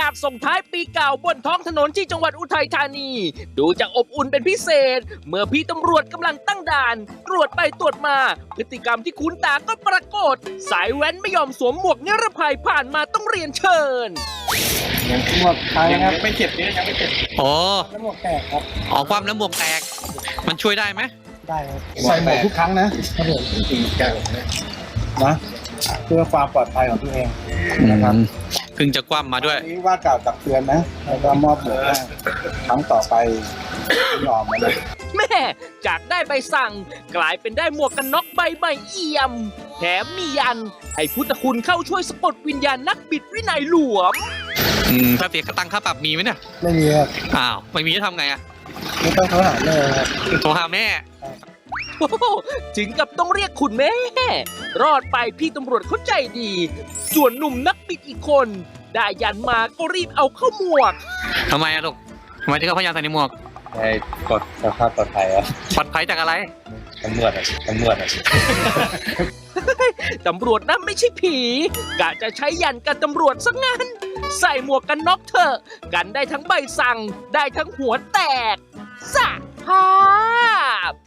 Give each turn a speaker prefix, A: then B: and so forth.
A: ากส่งท้ายปีเก่าบนท้องถนนที่จังหวัดอุทัยธานีดูจะอบอุ่นเป็นพิเศษเมื่อพี่ตำรวจกำลังตั้งด่านตรวจไปตรวจมาพฤติกรรมที่คุ้นตาก็ปรากฏสายแว้นไม่ยอมสวมหมวกนิรภัยผ่านมาต้องเรียนเชิญ
B: ยังหมวกไทยครับ
C: ยังไม่เจ็บเนี่ยยังไม่เจ็บ
D: โอ้
B: แล้วหมวกแตกครับ
D: ออกความแล้วหมวกแตก มันช่วยได้ไหม
B: ได้ครับใส่หมวกทุกครั้งนะครับผม
C: แก้วนะ
B: นะเพื่อความปลอดภัยของตัวเองนะครับ
D: เพิ่งจะคว่ำมาด้วย
B: วันนี้ว่ากล่าวตักเตือนนะแล้วก็มอบหมวกให้ครั้งต่อไปไม่ยอมนะ
A: แม่จากได้ใบสั่งกลายเป็นได้หมวกกันน็อกใบใหม่เอี่ยมแถมมียันให้พุทธคุณเข้าช่วยสะกดวิญญาณนักบิดวินัยหลวม
D: ถ้าเสียตังค่าปรับมีไหมเนี่ย
B: ไม่มีครับ
D: อ้าว ไม่มีจะทำไงอะ
B: ไม่ต้องโทรหาแม่ครับ
D: โทรหาแม่
A: โอ้โหถึงกับต้องเรียกคุณแม่ รอดไปพี่ตำรวจเขาใจดี ส่วนหนุ่มนักบิดอีกคน ได้ยันมาก็รีบเอาเข้าหมวก
D: ทำไมอะลูกทำไมถึงเอาพยานใส่ในหมวก
C: ให้กดสภาพปลอดภัยอ่ะ
D: ปลอดภัยจากอะไร
C: ตำรวจอ่ะ
A: ตำรวจนั้นไม่ใช่ผีกะจะใช้ยันกันตำรวจซะงั้น ใส่หมวกกันน็อกเถอะกันได้ทั้งใบสั่งได้ทั้งหัวแตกสะภาพ